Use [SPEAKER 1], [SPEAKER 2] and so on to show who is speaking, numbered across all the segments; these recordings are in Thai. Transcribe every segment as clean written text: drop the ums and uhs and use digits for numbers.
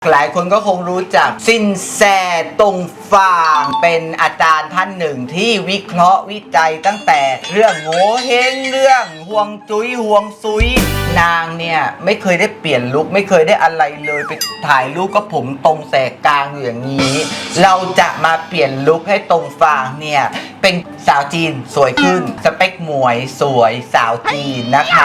[SPEAKER 1] หลายคนก็คงรู้จักซินแสตงฟางเป็นอาจารย์ท่านหนึ่งที่วิเคราะห์วิจัยตั้งแต่เรื่องโง่เฮงเรื่องห่วงจุ้ยห่วงซุยนางเนี่ยไม่เคยได้เปลี่ยนลุคไม่เคยได้อะไรเลยไปถ่ายรูปก็ผมตรงแสกกลางอยู่อย่างนี้เราจะมาเปลี่ยนลุคให้ตงฟางเนี่ยเป็นสาวจีนสวยขึ้นสเปคหมวยสวยสาวจีนนะคะ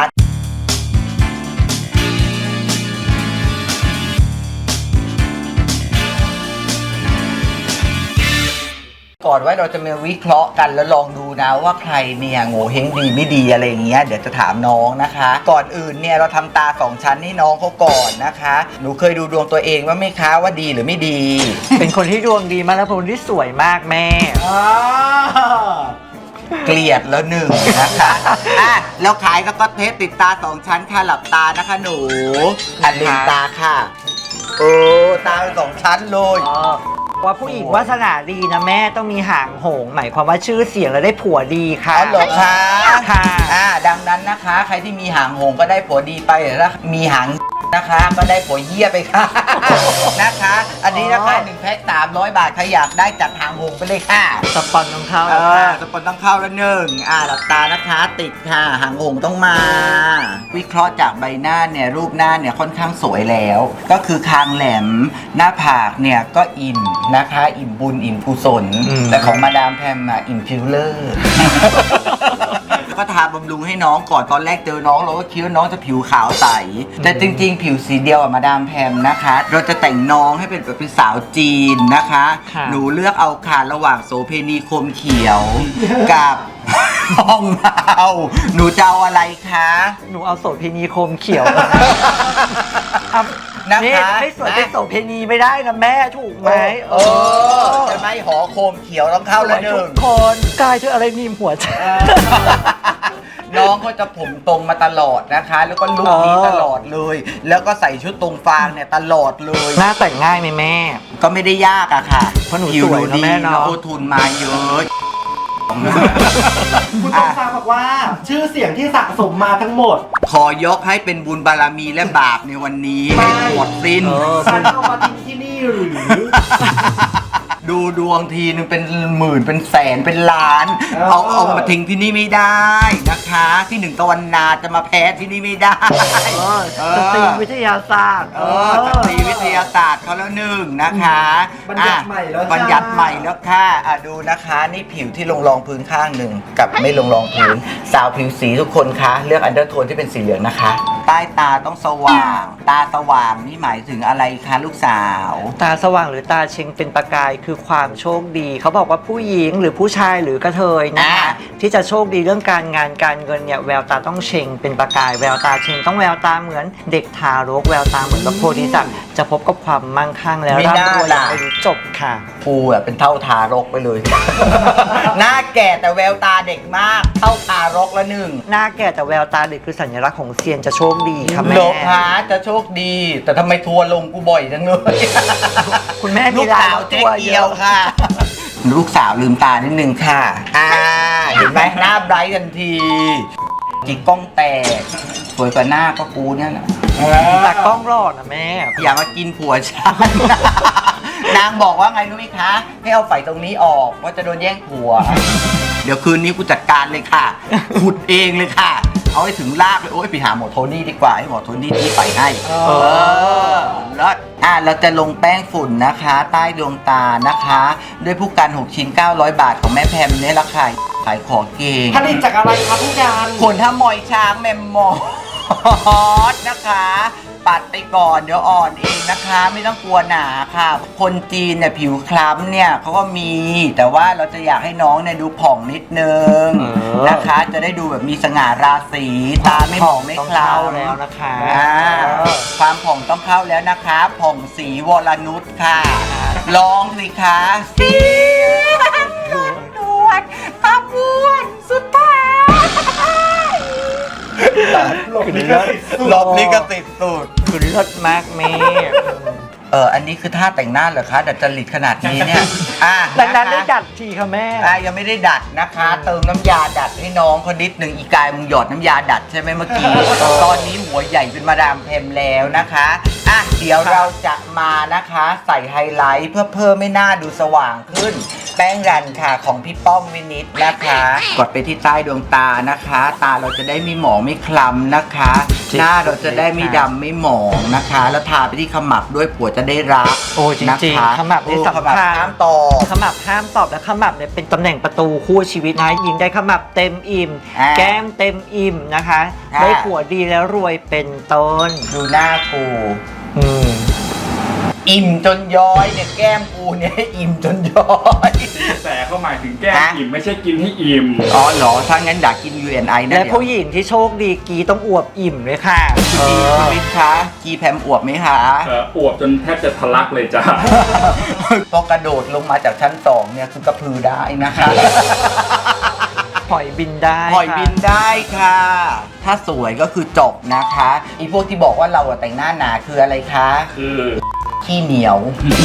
[SPEAKER 1] ก่อนว่าเราจะมาวิเคราะห์กันแล้วลองดูนะว่าใครเนี่ยโง่เฮงดีไม่ดีอะไรอย่างเงี้ยเดี๋ยวจะถามน้องนะคะ ก่อนอื่นเนี่ยเราทำตา2ชั้นให้น้องเขาก่อนนะคะหนูเคยดูดวงตัวเองว่าไหมคะว่าดีหรือไม่ดี
[SPEAKER 2] เป็นคนที่ดวงดีมากแล้วเป็นคนที่สวยมากแม่
[SPEAKER 1] เกลียดแล้วหนึ่งนะคะแล้วขายก็เทปติดตา2ชั้นค่ะหลับตานะคะหนูลืมตาค่ะตาเป็น2ชั้นเลย
[SPEAKER 2] ว่าผู้หญิงวาสนาดีนะแม่ต้องมีหางโหงหมายความว่าชื่อเสียงแล้วได้ผัวดีค่ะ
[SPEAKER 1] อ๋อเหรอคะ
[SPEAKER 2] ค่ะ
[SPEAKER 1] ดังนั้นนะคะใครที่มีหางโหงก็ได้ผัวดีไปแล้วมีหางนะคะก็ได้ผัวเหี้ยไปค่ะนะคะอันนี้นะคะ1แพ็ค300 บาทใครอยากได้จัดหางโหงไปเลยค่ะ
[SPEAKER 2] สปอนต้องเข้า
[SPEAKER 1] สปอนต้องเข้าแล้วหนึ่งหลับตานะคะติดค่ะหางโหงต้องมาวิเคราะห์จากใบหน้าเนี่ยรูปหน้าเนี่ยค่อนข้างสวยแล้วก็คือคางแหลมหน้าผากเนี่ยก็อิ่มนะคะอิ่มบุญอิ่มกุศลแต่ของมาดามแพมอิ่มฟิลเลอร์ก็ทาบำรุงให้น้องก่อนตอนแรกเจอน้องเราก็คิดว่าน้องจะผิวขาวใสแต่จริงๆผิวสีเดียวกับมาดามแพมนะคะเราจะแต่งน้องให้เป็นแบบเป็นสาวจีนนะคะหนูเลือกเอาค่ะระหว่างโสเพณีคมเขียวกับห้องเราหนูจะเอาอะไรคะ
[SPEAKER 2] หนูเอาโสเพณีคมเขียวนะคะไม่สวยเป็นโสเพณีไม่ได้นะแม่ถูกไหม
[SPEAKER 1] จะไม่หอโคมเขียวต้องเข้าแล้วหนึ่ง
[SPEAKER 2] คนกายเธออะไรนิ่มหัวใจ
[SPEAKER 1] น้องเขาจะผมตรงมาตลอดนะคะแล้วก็ลุคนี้ตลอดเลยแล้วก็ใส่ชุดตรงฟางเนี่ยตลอดเลย
[SPEAKER 2] หน้าแต่งง่ายไหมแม่
[SPEAKER 1] ก็ไม่ได้ยากอะค่ะ
[SPEAKER 2] เพราะหนูสวยนะแม่เนาะ
[SPEAKER 1] โอทุนมาเยอะ
[SPEAKER 3] คุณตงฟางบอกว่าชื่อเสียงที่สะสมมาทั้งหมด
[SPEAKER 1] ขอยกให้เป็นบุญบารมีและบาปในวันนี้ให้หมดสิ้น
[SPEAKER 3] ฉันเอามาทิ้งที่นี่หรือ
[SPEAKER 1] ดูดวงทีนึงเป็นหมื่นเป็นแสนเป็นล้านเอามาทิ้งที่นี่ไม่ได้นะคะที่1 ตะวันนาจะมาแพ้ที่นี่ไม่ได้
[SPEAKER 2] สตรีวิทยาศาสตร์
[SPEAKER 1] สตรีวิทยาศาสตร์เขาแล้วหนึ่งนะคะ
[SPEAKER 3] บัญญัติใหม่แล้ว
[SPEAKER 1] บัญญัติใหม่แล้วค่ะดูนะคะนี่ผิวที่ลงรองพื้นข้างหนึ่งกับไม่ลงรองพื้นสาวผิวสีทุกคนคะเลือกอันเดอร์โทนที่เป็นสีเหลืองนะคะใต้ตาต้องสว่างตาสว่างนี่หมายถึงอะไรคะลูกสาว
[SPEAKER 2] ตาสว่างหรือตาเชงเป็นประกายคือความโชคดีเขาบอกว่าผู้หญิงหรือผู้ชายหรือกระเทยนะคะที่จะโชคดีเรื่องการงานการเงินเนี่ยแววตาต้องเชงเป็นประกายแววตาเชงต้องแววตาเหมือนเด็กทารกแววตาเหมือนพระโพธิสัตว์จะพบกับความมั่งคั่งแล้วร่ำรวยไม่รู้จบค่ะ
[SPEAKER 1] ภูเป็นเท่าทารกไปเลยหน้าแก่แต่แววตาเด็กมากเท่าทารกละหนึ่ง
[SPEAKER 2] หน้าแก่แต่แววตาเด็กคือสัญลักษณ์ของเซียนจะโชคดีค่ะแม่
[SPEAKER 1] โลภะจะโชคดีแต่ทำไมทัวร์ลงกูบ่อยจังเลย
[SPEAKER 2] คุณแม่
[SPEAKER 1] ลูกสาวเจ๊เกียวค่ะลูกสาวลืมตานิดนึงค่ะเห็นไหมหน้าไบรท์ทันทีจิกกล้องแตกสวยกว่าหน้าก็กูเนี่ยนะ
[SPEAKER 2] แต่กล้องรอดนะแม่
[SPEAKER 1] อย่ามากินผัวฉันนางบอกว่าไงรู้ไหมคะให้เอาไฟตรงนี้ออกว่าจะโดนแย่งผัวเดี๋ยวคืนนี้กูจัดการเลยค่ะขุดเองเลยค่ะเอาให้ถึงรากเลยโอ้ยไปหาหมอโทนี่ดีกว่าให้หมอโทนี่ที่ไปให้แล้วเราจะลงแป้งฝุ่นนะคะใต้ดวงตานะคะด้วยผู้กัน6 ชิ้น 900 บาทของแม่แพมเนี่ยราคาขายของเก่ง
[SPEAKER 3] ผลิตจากอะไรครับผู้การ
[SPEAKER 1] ขนถ้ามอยช้างแมมมอสนะคะปัดไปก่อนเดี๋ยวอ่อนเองนะคะไม่ต้องกลัวหนาค่ะคนจีนเนี่ยผิวคล้ำเนี่ยเขาก็มีแต่ว่าเราจะอยากให้น้องเนี่ยดูผ่องนิดนึงนะคะจะได้ดูแบบมีสง่าราศีตาไม่หมองไม่คล้ำ
[SPEAKER 2] แล้วนะคะ
[SPEAKER 1] ความผ่องต้องเข้าแล้วนะคะผ่องสีวรนุชค่ะลองสิคะสีดวนขบวนสุดท้ายหลบลิขสิทธิ์สุด
[SPEAKER 2] คุณเลิศมากแม่
[SPEAKER 1] อันนี้คือท่าแต่งหน้าเหรอคะดัดจริตขนาดนี้เนี่ย
[SPEAKER 2] ดังนั้นได้ดัดทีค่ะแม่
[SPEAKER 1] ยังไม่ได้ดัดนะคะ เติมน้ำยาดัดให้น้องคนนิดหนึ่งอีกายมึงหยอดน้ำยาดัดใช่ไหมเมื่อกี้ ตอนนี้หัวใหญ่เป็นมาดามแพมแล้วนะคะเดี๋ยวเราจะมานะคะใส่ไฮไลท์เพื่อเพิ่มให้หน้าดูสว่างขึ้น แป้งรันค่ะของพี่ป้อมวินิตนะคะ กดไปที่ใต้ดวงตานะคะ ตาเราจะได้ไม่หมองไม่คล้ำนะคะ หน้าเราจะได้ไม่ดำไม่หมองนะคะ แล้วทาไปที่ขมับด้วยผัวจะได้รัก
[SPEAKER 2] โอ้จริงๆขมับนี่สำคัญ
[SPEAKER 1] ห้ามตอบ
[SPEAKER 2] ขมับห้ามตอบและขมับเนี่ยเป็นตำแหน่งประตูคู่ชีวิตนะยิงได้ขมับเต็มอิ่ม แก้มเต็มอิ่มนะคะ ได้ผัวดีแล้วรวยเป็นต้น
[SPEAKER 1] ดูหน้ากู อิ่มจนย้อยเนี่ยแก้มกูเนี่ยอิ่มจนย้อย
[SPEAKER 4] แต่เขาหมายถึงแก้มอิ่มไม่ใช่กินให้อิ่ม
[SPEAKER 1] อ๋อเหรอถ้างั้นอยากกิน UNI นะ
[SPEAKER 2] และผู้หญิงที่โชคดีกีต้องอวบอิ่มเลยค่ะ
[SPEAKER 1] คุณวิทย์คะกีแพมอวบไหมคะ
[SPEAKER 4] อวบจนแทบจะทะลักเลยจ้า
[SPEAKER 1] พอกระโดดลงมาจากชั้น2เนี่ยคือกระพือได้นะคะ
[SPEAKER 2] หอยบินได้
[SPEAKER 1] หอยบินได้ค่ะ ถ้าสวยก็คือจบนะคะอีพวกที่บอกว่าเราแต่งหน้าหนาคืออะไรคะ
[SPEAKER 4] คือ
[SPEAKER 1] ขี้เหนียว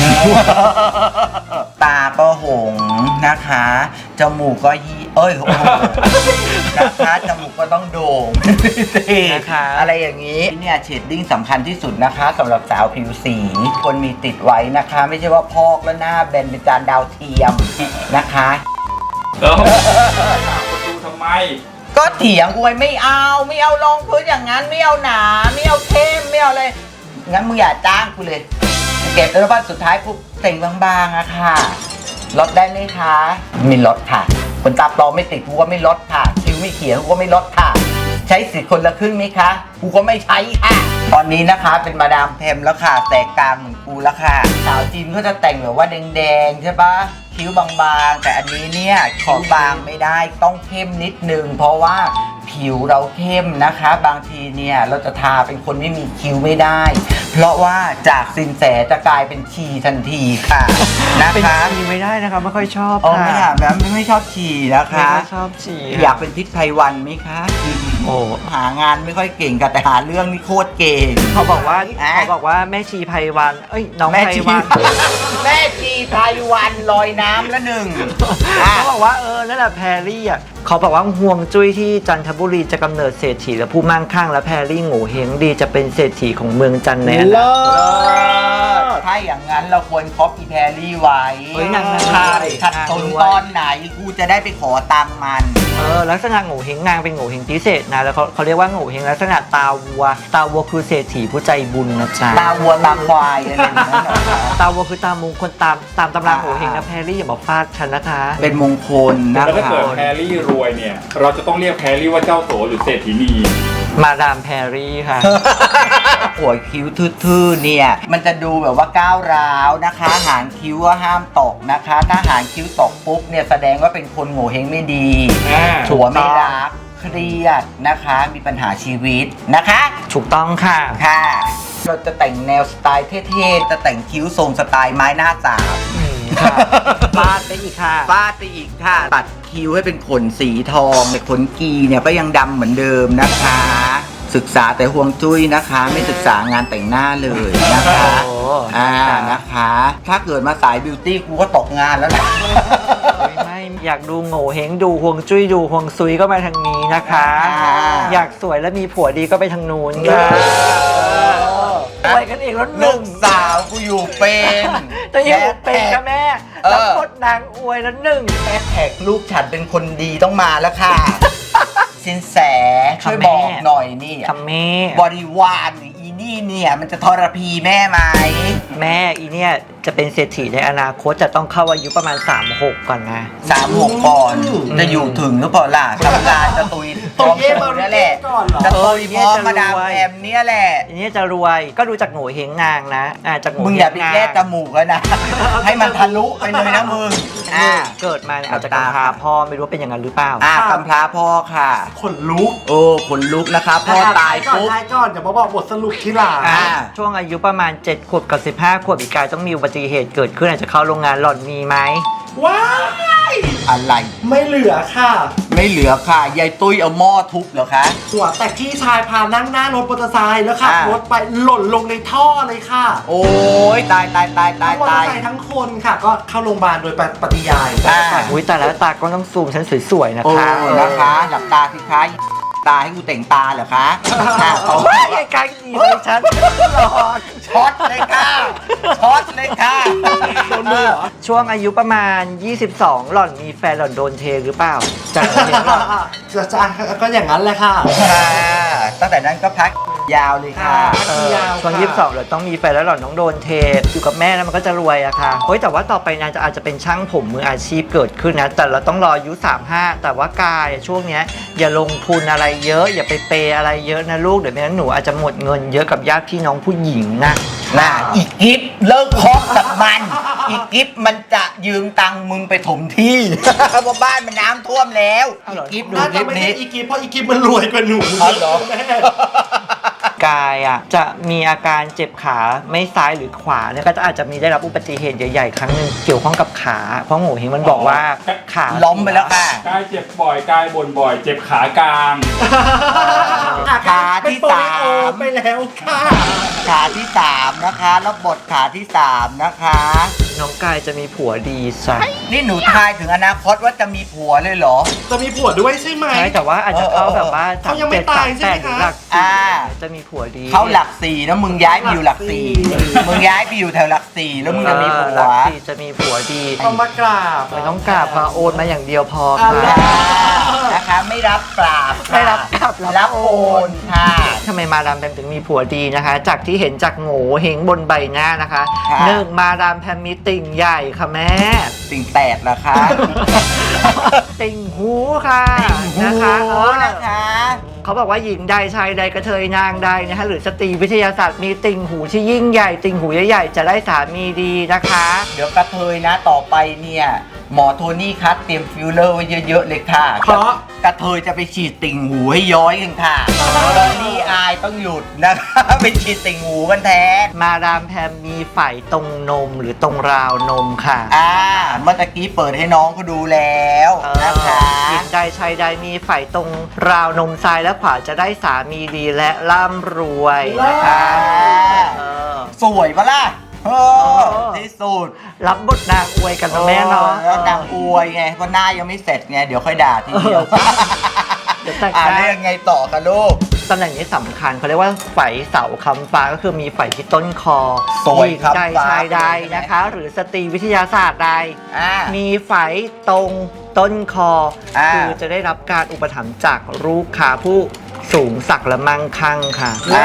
[SPEAKER 1] ตาก็หงนะคะจมูกก็โอ้โหนะคะจมูกก็ต้องโด่ง
[SPEAKER 2] นะคะ
[SPEAKER 1] อะไรอย่างนี้เนี่ยเชดดิ้งสำคัญที่สุดนะคะสำหรับสาวผิวสีคนมีติดไว้นะคะ ไม่ใช่ว่าพอกแล้วหน้าแบนเป็นจานดาวเทียมนะคะ
[SPEAKER 4] แล้วถามประตูทำไม
[SPEAKER 1] ก็เถียงกูไม่เอารองพื้นอย่างนั้นไม่เอาหนาไม่เอาเข้มไม่เอาเลยงั้นมึงอย่าจ้างกูเลยเก็บแล้วว่าสุดท้ายกูแต่งบางๆอะค่ะลดได้ไหมคะไม่ลดค่ะคนตาปลอมไม่ติดกูก็ไม่ลดค่ะคิ้วไม่เขียนกูก็ไม่ลดค่ะใช้สิทธิ์คนละครึ่งไหมคะกูก็ไม่ใช้ค่ะตอนนี้นะคะเป็นมาดามแพมแล้วค่ะแสกกลางเหมือนกูแล้วค่ะสาวจีนก็จะแต่งแบบว่าแดงๆใช่ปะคิ้วบางๆแต่อันนี้เนี่ยคิ้วบางไม่ได้ต้องเข้มนิดนึงเพราะว่าผิวเราเข้มนะคะ บางทีเนี่ยเราจะทาเป็นคนไม่มีคิ้วไม่ได้ เพราะว่าจากสินแสจะกลายเป็นชีทันทีค่ะนะ
[SPEAKER 2] เป็น
[SPEAKER 1] คะ
[SPEAKER 2] ชีไม่ได้นะคะไม่ค่อยชอบ
[SPEAKER 1] อ๋อ
[SPEAKER 2] ค่ะ
[SPEAKER 1] ไม่ค่ะแบบไม่ชอบชีนะ
[SPEAKER 2] ไม่
[SPEAKER 1] คะ
[SPEAKER 2] ค่อยชอบชี
[SPEAKER 1] อยากเป็นทิศไพวันไหมคะ
[SPEAKER 2] โอ้
[SPEAKER 1] หางานไม่ค่อยเก่งกันแต่หาเรื่องนี่โคตรเก่ง
[SPEAKER 2] เขาบอกว่าแม่ชีไพวันเอ้ยน้อง
[SPEAKER 1] แม่
[SPEAKER 2] ไพ
[SPEAKER 1] ชี
[SPEAKER 2] วัน
[SPEAKER 1] แม่ชีไพวันลอยน้ำละหนึ่ง
[SPEAKER 2] เขาบอกว่านั่นแหละแพรรี่อ่ะเขาบอกว่าห่วงจุ้ยที่จันทบุรีจะกำเนิดเศรษฐีและผู้มั่งคั่งและแพรรี่โง่เฮงดีจะเป็นเศรษฐีของเมืองจันทร์ในอนาคต
[SPEAKER 1] ถ้าอย่างนั้นเราควรคอปอีแพรรี่ไว้
[SPEAKER 2] เฮ้ยนาง
[SPEAKER 1] ขัดสนตอนไหนกูจะได้ไปขอตังค์มัน
[SPEAKER 2] ลักษณะโง่เฮงนางเป็นโง่เฮงพิเศษนะแล้วเขาเรียกว่าโง่เฮงลักษณะตาวัวคือเศรษฐีผู้ใจบุญนะจ๊ะ
[SPEAKER 1] ตาวัวตาควายอะไรอย่างนั้นเหรอ
[SPEAKER 2] ตาวัวคือตามงคลตามตำราโง่เฮงนะแพรรี่อย่าบอกฟาดฉันนะคะ
[SPEAKER 1] เป็นมงคลนะ
[SPEAKER 4] แล้วถ้า
[SPEAKER 1] คะ
[SPEAKER 4] เกิดแพรรี่รวยเนี่ย เราจะต้องเรียกแพรรี่ว่าเจ้าโสหรือเศรษฐีนี
[SPEAKER 2] มาดามแพรรี่ค่ะ
[SPEAKER 1] หัวคิ้วทื่อๆเนี่ยมันจะดูแบบว่าก้าวร้าวนะคะหางคิ้วก็ห้ามตกนะคะถ้าหางคิ้วตกปุ๊บเนี่ยแสดงว่าเป็นคนโง่เฮงไม่ดีผัวไม่รักเครียดนะคะมีปัญหาชีวิตนะคะ
[SPEAKER 2] ถูกต้องค่ะ
[SPEAKER 1] ค่ะ เราจะแต่งแนวสไตล์เท่ๆจะแต่งคิ้วทรงสไตล์ไม้หน้าสาม
[SPEAKER 2] ค่ะฟาดไปอีกค่ะ
[SPEAKER 1] ฟาดไปอีกค่ะตัดคิ้วให้เป็นขนสีทองแต่ขนกีเนี่ยก็ยังดำเหมือนเดิมนะคะ ศึกษาแต่ห่วงจุ้ยนะคะ ไม่ศึกษางานแต่งหน้าเลยนะคะ
[SPEAKER 2] โอ้
[SPEAKER 1] นะคะ ถ้าเกิดมาสายบิวตี้กูก็ตกงานแล้วนะ
[SPEAKER 2] ไม่อยากดูโง่เฮงดูห่วงจุ้ยดูห่วงซุยก็มาทางนี้นะคะ อยากสวยและมีผัวดีก็ไปทางนู้นค่ะอวยกันเองแล้วห
[SPEAKER 1] ลู
[SPEAKER 2] นึ่ง
[SPEAKER 1] กสาวกูอยู่เป็น
[SPEAKER 2] แต่อยู่เป็นค่ะแม่แล้วพดนางอวยแล้วหนึ่ง
[SPEAKER 1] แฮชแท็กลูกฉันเป็นคนดีต้องมาแล้วค่ะ สินแสช่วยบอกหน่อยนี่
[SPEAKER 2] คำแม่
[SPEAKER 1] บริวารหรืออีนี่เนี่ยมันจะทรพีแม่ไหม
[SPEAKER 2] แม่อีเนี่ยจะเป็นเศรษฐีในอนาคตจะต้องเข้าอายุประมาณ 36 ก่อนนะ
[SPEAKER 1] 36 ก่อนจะอยู่ถึงหรือเปล่าล่ะทำงานจะตุยพร้อมสูนี่แหละจะตุยพร้อมมาดามแอมเนี่ยแหละ
[SPEAKER 2] อีเนี่ยจะรวยก็ดูจากโง่เฮงนางนะจากโง่
[SPEAKER 1] มึง
[SPEAKER 2] เฮ
[SPEAKER 1] อย่าง ไป
[SPEAKER 2] นาง
[SPEAKER 1] แก้จมูกแล้วนะ ให้มันทะลุไปเลยนะมึง
[SPEAKER 2] เกิดมาเนี่ยอาจจะกำพร้าพ่อไม่รู้เป็นอย่างนั้นหรือเปล่า
[SPEAKER 1] กำพร้าพ่อค่ะ
[SPEAKER 3] ขนลุก
[SPEAKER 1] โอ้ขนลุกนะคะพ่อตายปุ๊บ
[SPEAKER 3] ท้ายก่อนเดี๋ยวมาบอกบทสรุปที่หลัง
[SPEAKER 2] ช่วงอายุประมาณ7 ขวบกับ 15 ขวบอีกกายต้องมีอุบัติเหตุเกิดขึ้นอาจจะเข้าโรงงานหล่อนมีไหม
[SPEAKER 3] ว้าย
[SPEAKER 1] อะไร
[SPEAKER 3] ไม่เหลือค่ะ
[SPEAKER 1] ไม่เหลือค่ะยายตุ้ยเอาหม้อทุบเหรอคะ
[SPEAKER 3] หัวแต่พี่ชายพานั่งหน้ารถมอเตอร์ไซค์แล้วขับ
[SPEAKER 1] อ่าร
[SPEAKER 3] ถไปหล่นลงในท่อเลยค่ะ
[SPEAKER 1] โอ้ยตายตายตายตาย
[SPEAKER 3] ทั้งมอเตอ
[SPEAKER 1] ตาย
[SPEAKER 3] ร์ไซค์ทั้งคนค่ะ ก็เข้าโรงพยาบาลโดยปฏิยาย
[SPEAKER 1] อ่า
[SPEAKER 2] อุ้ยแต่แล้วตาก็ต้องซูมฉันสวยๆนะ
[SPEAKER 1] โอ้
[SPEAKER 2] คะ
[SPEAKER 1] นะคะหลับตาสิคะตาให้กูแต่งตาเหรอคะโอ้
[SPEAKER 2] โอ้ย
[SPEAKER 1] ย
[SPEAKER 2] ไกลๆดีเลยฉันหลอด
[SPEAKER 1] ช็อตเลยค่ะช็อตเลยค่ะ
[SPEAKER 3] โดนมือเหรอ
[SPEAKER 2] ช่วงอายุประมาณ 22 หล่อนมีแฟนหล่อนโดนเทหรือเปล่าจากเห็นหล่อน
[SPEAKER 3] จะก็อย่างนั้นแหละค่ะ
[SPEAKER 1] ค่ะตั้งแต่นั้นก็พักยาวเลยค่ะ
[SPEAKER 2] ช่วง22หล่อนต้องมีแฟนแล้วหล่อนต้องโดนเทอยู่กับแม่แล้วมันก็จะรวยอะค่ะเฮ้ยแต่ว่าต่อไปนางจะอาจจะเป็นช่างผมมืออาชีพเกิดขึ้นนะแต่เราต้องรออายุ35แต่ว่ากายอะช่วงเนี้ยอย่าลงทุนอะไรเยอะอย่าไปเปย์อะไรเยอะนะลูกเดี๋ยวไม่งั้นหนูอาจจะหมดเงินเยอะกับญาติพี่น้องผู้หญิงนะ
[SPEAKER 1] น่ะอีกกิฟเลิกคบกับมัน อีกกิฟมันจะยืมตังค์มึงไปถมที่ เพราะบ้านมันน้ำท่วมแล้ว
[SPEAKER 2] เอาเหรอ
[SPEAKER 1] อีกกิฟดู
[SPEAKER 3] น่า
[SPEAKER 1] ค
[SPEAKER 3] จะ
[SPEAKER 1] ลิป
[SPEAKER 3] ไม่
[SPEAKER 1] นี้
[SPEAKER 3] ใช่อีกิฟเพราะอีกิฟมันรวยกว่าหนู
[SPEAKER 1] อ๋อเหรอ
[SPEAKER 3] แม่
[SPEAKER 2] กายอ่ะจะมีอาการเจ็บขาไม่ซ้ายหรือขวาเนี่ยก็จะอาจจะมีได้รับอุบัติเหตุใหญ่ๆครั้งหนึ่งเกี่ยวข้องกับขาเพราะโง่เฮงมันบอกว่าขา
[SPEAKER 1] ล้มไปแล้วค่ะ
[SPEAKER 4] กายเจ็บบ่อยกายบ่นบ่อย เจ็บขากลาง
[SPEAKER 1] ขาที่
[SPEAKER 3] เป็นโปลิโอ
[SPEAKER 1] 3
[SPEAKER 3] ไปแล้วค่ะ
[SPEAKER 1] ขาที่3นะคะแล้วบทขาที่3นะคะ
[SPEAKER 2] น้องกายจะมีผัวดีซะ
[SPEAKER 1] นี่หนูทายถึงอนาคตว่าจะมีผัวเลยเหรอ
[SPEAKER 3] จะมีผัวด้วยใช่ไหม
[SPEAKER 2] ใช่แต่ว่าอาจจะเข้าแบบว่า
[SPEAKER 3] เขายังไม่ตายใช่ไหมคะ
[SPEAKER 2] หรือหลัก
[SPEAKER 1] อ่า
[SPEAKER 2] จะมีผัวดี
[SPEAKER 1] เข้าหลัก4นะมึงย้ายไปอยู่หลัก4มึงย้ายไปอยู่แถวหลัก4แล้วมึงจะมีผั
[SPEAKER 2] หลั
[SPEAKER 1] ว
[SPEAKER 2] กสี่จะมีผัวดี
[SPEAKER 3] ต้องมากราบ
[SPEAKER 2] ไม่ต้องกราบมาโอนมาอย่างเดียวพอ
[SPEAKER 3] อ่า
[SPEAKER 2] ค่ะ
[SPEAKER 1] นะคะไม่รับกราบค่ะ
[SPEAKER 2] ไม่รับกราบ
[SPEAKER 1] รับโอนค่ะ
[SPEAKER 2] ทำไมมาดามแพมถึงมีผัวดีนะคะ จากที่เห็นจากโง่เฮงบนใบหน้านะคะ
[SPEAKER 1] ค่ะ
[SPEAKER 2] หนึ่งมาดามแพมมีติ่งใหญ่ค่ะแม่
[SPEAKER 1] ติ่งแตกเหรอคะ
[SPEAKER 2] ติ่งหูค่ะ
[SPEAKER 1] หู
[SPEAKER 2] นะคะ
[SPEAKER 1] นะคะ
[SPEAKER 2] เขาบอกว่าหญิงใดชายใดกระเทยนางใดนะคะหรือสตรีวิทยาศาสตร์มีติ่งหูที่ยิ่งใหญ่ ติ่งหูใหญ่ๆจะได้สามีดีนะคะ
[SPEAKER 1] เดี๋ยวกระเทยนะต่อไปเนี่ยหมอโทนี่คัดเตรียมฟิลเลอร์ไว้เยอะๆเลยค่ะ
[SPEAKER 3] เพราะ
[SPEAKER 1] กระเทยจะไปฉีดติ่งหูให้ย้อยกันค่ะตอนนี้อายต้องหยุดนะคะ ไปฉีดติ่งหูกันแทน
[SPEAKER 2] มาดามแพมมีไฝตรงนมหรือตรงราวนมค่ะ
[SPEAKER 1] เมื่อตะกี้เปิดให้น้องเขาดูแล้ว
[SPEAKER 2] เออ
[SPEAKER 1] นะคะ
[SPEAKER 2] หญิงใดชายใดมีไฝตรงราวนมซ้ายและขวาจะได้สามีดีและร่ำรวยนะคะเออ
[SPEAKER 1] สวยปะล่ะเออ
[SPEAKER 2] เออ
[SPEAKER 1] ที่สุด
[SPEAKER 2] รับบทนางอวยกันนะแม่เนาะ
[SPEAKER 1] แล้วนางอวยไงเพราะหน้ายังไม่เสร็จไงเดี๋ยวค่อยด่าทีเดียว
[SPEAKER 2] เดี๋ยวแต่ง
[SPEAKER 1] อ่า
[SPEAKER 2] หน้า
[SPEAKER 1] เรื่องไงต่อคะลูก
[SPEAKER 2] ตำแหน่งนี้สำคัญเขาเรียกว่าไฝเสาคำฟ้าก็คือมีไฝที่ต้นคอ
[SPEAKER 1] สวย
[SPEAKER 2] หญิง
[SPEAKER 1] ครับ
[SPEAKER 2] ใด
[SPEAKER 1] ฟ้า
[SPEAKER 2] ชายใด
[SPEAKER 1] ใช่ไหม
[SPEAKER 2] นะคะ หรือสตรีวิทยาศาสตร์ใด
[SPEAKER 1] อ่า
[SPEAKER 2] มีไฝตรงต้นคอ
[SPEAKER 1] อ่า
[SPEAKER 2] คือจะได้รับการอุปถัมภ์จากลูกค้าผู้สูงศักดิ์และมั่งคั่งค่ะ
[SPEAKER 1] อ่า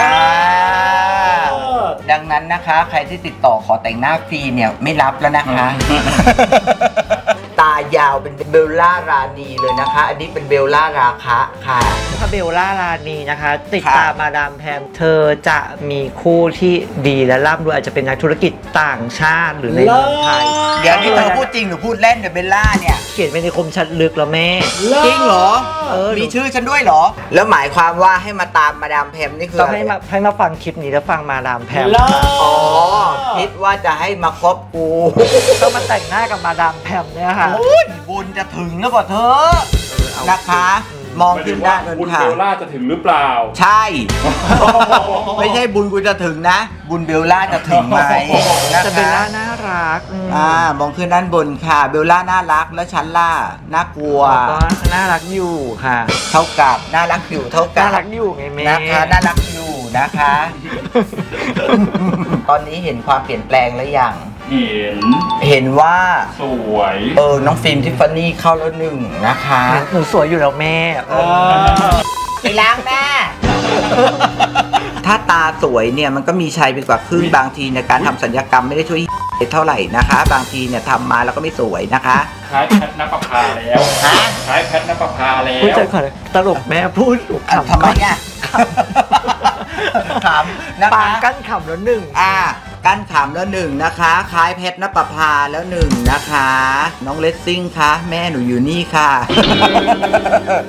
[SPEAKER 1] ดังนั้นนะคะ ใครที่ติดต่อขอแต่งหน้าฟรีเนี่ยไม่รับแล้วนะคะ ตายาวเป็นเบลล่ารานีเลยนะคะ อันนี้เป็นเบลล่าราคะค่ะ
[SPEAKER 2] ถ้าเบลล่าลานีนะคะ ติด
[SPEAKER 1] ครับ
[SPEAKER 2] ตามมาดามแพมเธอจะมีคู่ที่ดีและร่ำรวยอาจจะเป็นนักธุรกิจต่างชาติหรือในเมืองไทย
[SPEAKER 1] เดี๋ยวนี้เธอพูดจริงหรือพูดเล่นเดี๋ยวเบลล่าเนี่ย
[SPEAKER 2] เขียนไว้ในคมชัดลึกแล้วแม่
[SPEAKER 1] จริงเหรอ
[SPEAKER 2] เออ
[SPEAKER 1] มีชื่อฉันด้วยเหรอ แล้วหมายความว่าให้มาตามมาดามแพมนี่คือ
[SPEAKER 2] ต้อง
[SPEAKER 1] อะไร
[SPEAKER 2] ให้มาฟังคลิปนี้แล้วฟังมาดามแพม
[SPEAKER 3] เลิศ
[SPEAKER 1] อ๋อ คิดว่าจะให้มาคบกู
[SPEAKER 2] ต้องมาแต่งหน้ากับมาดามแพมเนี่ยค่ะ
[SPEAKER 1] โอ้ยบุญจะถึงแล้วกว่าเธอ นะคะ มองขึ้นด้านนั้น
[SPEAKER 4] คุณ
[SPEAKER 1] ค่ะ
[SPEAKER 4] เบลล่าจะถึงหรือเปล่า
[SPEAKER 1] ใช่ ไม่ใช่บุญกูจะถึงนะ บุญเบลล่าจะถึงไหมนะ
[SPEAKER 2] แต่เบล
[SPEAKER 1] คะ
[SPEAKER 2] ล่าน่ารัก
[SPEAKER 1] มองขึ้นด้านบนค่ะ เบลล่าน่ารักแล้วฉันล่าน่ากลัว
[SPEAKER 2] ก็น่ารักอยู่ค่ะ
[SPEAKER 1] เท่ากับน่ารักอยู่เท่ากั
[SPEAKER 2] น่า
[SPEAKER 1] บ
[SPEAKER 2] รักอยู่ไงแม่
[SPEAKER 1] นะคะน่ารักอยู่นะคะ ตอนนี้เห็นความเปลี่ยนแปลงแล้วยัง
[SPEAKER 4] เห็น
[SPEAKER 1] เห็นว่า
[SPEAKER 4] สวย
[SPEAKER 1] น้องฟิล์มทิฟฟานี่เข้าแล้วหนึ่งนะคะ
[SPEAKER 2] หนูสวยอยู่แล้วแม่
[SPEAKER 1] ไปล้างแม่ ถ้าตาสวยเนี่ยมันก็มีชัยไปกว่าครึ่งบางทีในการทำศัลยกรรมไม่ได้ช่วยเท่าไหร่นะคะ บางทีเนี่ยทำมาแล้วก็ไม่สวยนะคะ
[SPEAKER 4] คล้ายแพทนปภาแล้ว
[SPEAKER 1] ฮะ
[SPEAKER 4] คล้ายแพทนปภาแล้
[SPEAKER 2] พูด
[SPEAKER 4] ว
[SPEAKER 2] ใจก่อนตลกแม่พูดขำ
[SPEAKER 1] ทำไมอ่ะขำนะ
[SPEAKER 2] ปาง
[SPEAKER 1] คะ
[SPEAKER 2] กั้นขำแล้วหนึ่ง
[SPEAKER 1] กั้นขำแล้วหนึ่งนะคะ คล้ายเพชรนปภาแล้วหนึ่งนะคะ น้องเลสซิ่งคะแม่หนูอยู่นี่ค่ะ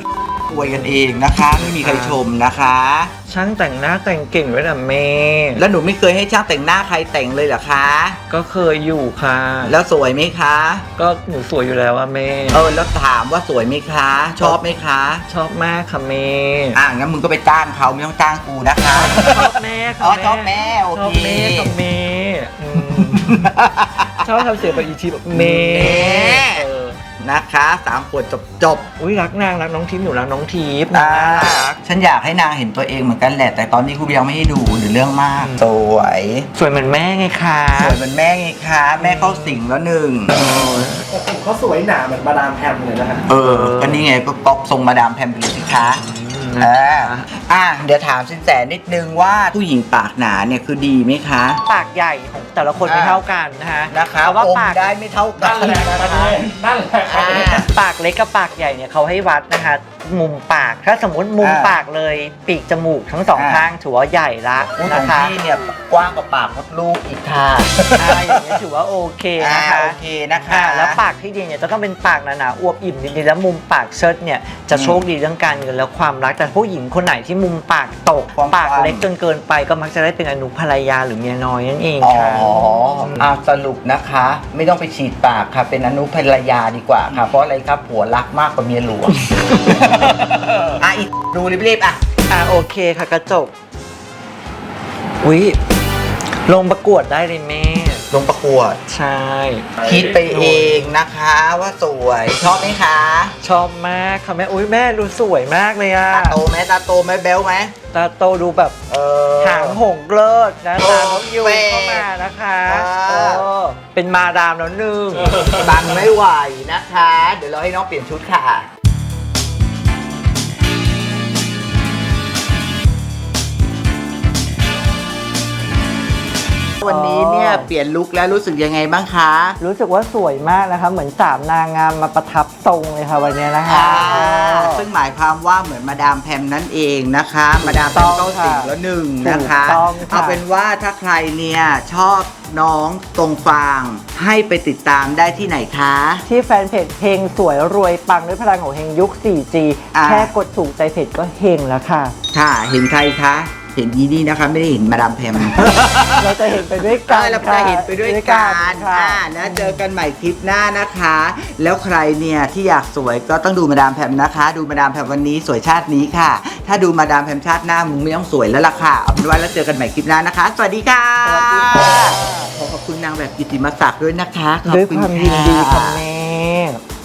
[SPEAKER 1] อวยกันเองนะคะ ไม่มีใครชมนะคะ
[SPEAKER 2] ช่างแต่งหน้าแต่งเก่งด้วยนะแม่
[SPEAKER 1] แล้วหนูไม่เคยให้ช่างแต่งหน้าใครแต่งเลยเหรอคะ
[SPEAKER 2] ก็เคยอยู่ค่ะ
[SPEAKER 1] แล้วสวยไหมคะ
[SPEAKER 2] ก็หนูสวยอยู่แล้วอะแม่
[SPEAKER 1] แล้วถามว่าสวยไหมคะ ชอบไหมคะ
[SPEAKER 2] ชอบมากค่ะแม่
[SPEAKER 1] งั้นมึงก็ไปจ้างเขาไม่ต้องจ้างกูนะคะ
[SPEAKER 2] ชอบแม่ค่ะ
[SPEAKER 1] อ๋อชอบแม่โอ
[SPEAKER 2] ชอบ
[SPEAKER 1] เค
[SPEAKER 2] แม่กับแม่อืมชอบทำเสียงแบบอีทีแบบแม่
[SPEAKER 1] แม่
[SPEAKER 2] เออ
[SPEAKER 1] นะคะ3 ขวดจบ
[SPEAKER 2] อุ้ยรักนางรักน้องทิพย์หนูรักน้องทิพย์
[SPEAKER 1] ๆ
[SPEAKER 2] นางน่ารัก
[SPEAKER 1] ฉันอยากให้นางเห็นตัวเองเหมือนกันแหละ แต่ตอนนี้กูยังไม่ให้ดูหรือเรื่องมาก สวย
[SPEAKER 2] สวยเหมือนแม่ไงคะ
[SPEAKER 1] สวยเหมือนแม่ไงคะ แม่เข้าสิงแล้วหนึ่ง
[SPEAKER 3] แต่ผมเขาสวยหนาเหมือนมาดามแพมเลยนะฮะ
[SPEAKER 1] ก็นี่ไงก็ก๊อปทรงมาดามแพมไปเลยสิคะเดี๋ยวถามสินแสนิดนึงว่าผู้หญิงปากหนาเนี่ยคือดีไหมคะ
[SPEAKER 2] ปากใหญ่ของแต่ละคนไม่เท่ากันนะคะ
[SPEAKER 1] นะคะ
[SPEAKER 2] เพราะว่า
[SPEAKER 1] อม
[SPEAKER 2] ปาก
[SPEAKER 1] ได้ไม่เท่ากัน
[SPEAKER 4] นั่นแหละ
[SPEAKER 1] นะ
[SPEAKER 4] ประ
[SPEAKER 1] คะ
[SPEAKER 4] เด็นนั่นแหละประเด็น
[SPEAKER 2] ปากเล็กกับปากใหญ่เนี่ยเขาให้วัดนะคะ มุมปากถ้าสมมติมุมปากเลยปีกจมูกทั้งสองข้างถือว่าใหญ่ละ
[SPEAKER 1] ขอ
[SPEAKER 2] นะ
[SPEAKER 1] ง
[SPEAKER 2] คะ
[SPEAKER 1] พี่เนี่ยกว้างกว่าปากมดลูกอีกค่ะ
[SPEAKER 2] อย่างนี้ยถือว่าโอเคนะคะ
[SPEAKER 1] โอเคนะคะ
[SPEAKER 2] แล้วปากที่ดีเนี่ยจะต้องเป็นปากหนาๆอวบอิ่มดีๆแล้วมุมปากเชิดเนี่ยจะโชคดีเรื่องการเงินและความรักแต่ผู้หญิงคนไหนที่มุมปากตก
[SPEAKER 1] ความ
[SPEAKER 2] ปากเล็กจนเกินไปก็มักจะได้เป็นอนุภรรยาหรือเมียน้อยนั่นเอง
[SPEAKER 1] อ๋อ
[SPEAKER 2] ค่ะ
[SPEAKER 1] สรุปนะคะ ไม่ต้องไปฉีดปากค่ะ เป็นอนุภรรยาดีกว่าค่ะ เพราะอะไรครับผัวรักมากกว่าเมียหลวง อีกดูรีบๆ
[SPEAKER 2] โอเคค่ะกระจกวิลงประกวดได้เลยแม่
[SPEAKER 1] ลงประกวด
[SPEAKER 2] ใช่
[SPEAKER 1] คิดไปเองนะคะว่าสวยชอบไหมคะ
[SPEAKER 2] ชอบมากค่ะแม่อุ้ยแม่ดูสวยมากเลยอะ
[SPEAKER 1] ตาโตไหมตาโตไหมแบ๊วไหม
[SPEAKER 2] ตาโตดูแบบหางหงเลิศนะตาน้องยู
[SPEAKER 1] โอเค
[SPEAKER 2] เข้ามานะคะ
[SPEAKER 1] อ่า
[SPEAKER 2] เป็นมาดามแล้วหนึ่ง
[SPEAKER 1] บังไม่ไหวนะคะ เดี๋ยวเราให้น้องเปลี่ยนชุดค่ะ วันนี้เนี่ยเปลี่ยนลุคแล้วรู้สึกยังไงบ้างคะ
[SPEAKER 2] รู้สึกว่าสวยมากนะคะ เหมือน3 นางงามมาประทับทรงเลยค่ะวันนี้นะคะ
[SPEAKER 1] ซึ่งหมายความว่าเหมือนมาดามแพมนั่นเองนะคะ มาดามแพมเข้าสิงแล้วหนึ่งนะคะ
[SPEAKER 2] ถูกต้องค่ะ
[SPEAKER 1] เอาเป็นว่าถ้าใครเนี่ยชอบน้องตรงฟางให้ไปติดตามได้ที่ไหนคะ
[SPEAKER 2] ที่แฟนเพจเพลงสวยรวยปังด้วยพลังของเฮงยุค 4G แค่กดถูกใจเพจก็เฮงแล้วค่ะ
[SPEAKER 1] ค่ะ เห็นใครคะ เห็นยีนี่นะคะ ไม่ได้เห็นมาดามแพม
[SPEAKER 2] เราจะเห็นไปด้วยกัน
[SPEAKER 1] เราจะเห็นไปด้วยกัน
[SPEAKER 2] ค่ะ
[SPEAKER 1] นะเจอกันใหม่คลิปหน้านะคะ แล้วใครเนี่ยที่อยากสวยก็ต้องดูมาดามแพมนะคะ ดูมาดามแพมวันนี้สวยชาตินี้ค่ะ ถ้าดูมาดามแพมชาติหน้ามึงไม่ต้องสวยแล้วล่ะค่ะเอาเป็นว่าแล้วเจอกันใหม่คลิปหน้านะคะ สวัสดีค่ะ
[SPEAKER 2] สวัสดีค่ะ
[SPEAKER 1] ขอบคุณนางแบบกิตติมศักดิ์ด้วยนะคะขอบ
[SPEAKER 2] ด้วย
[SPEAKER 1] คุณ
[SPEAKER 2] ความยินดีค่ะ
[SPEAKER 1] ค่ะ
[SPEAKER 2] แม่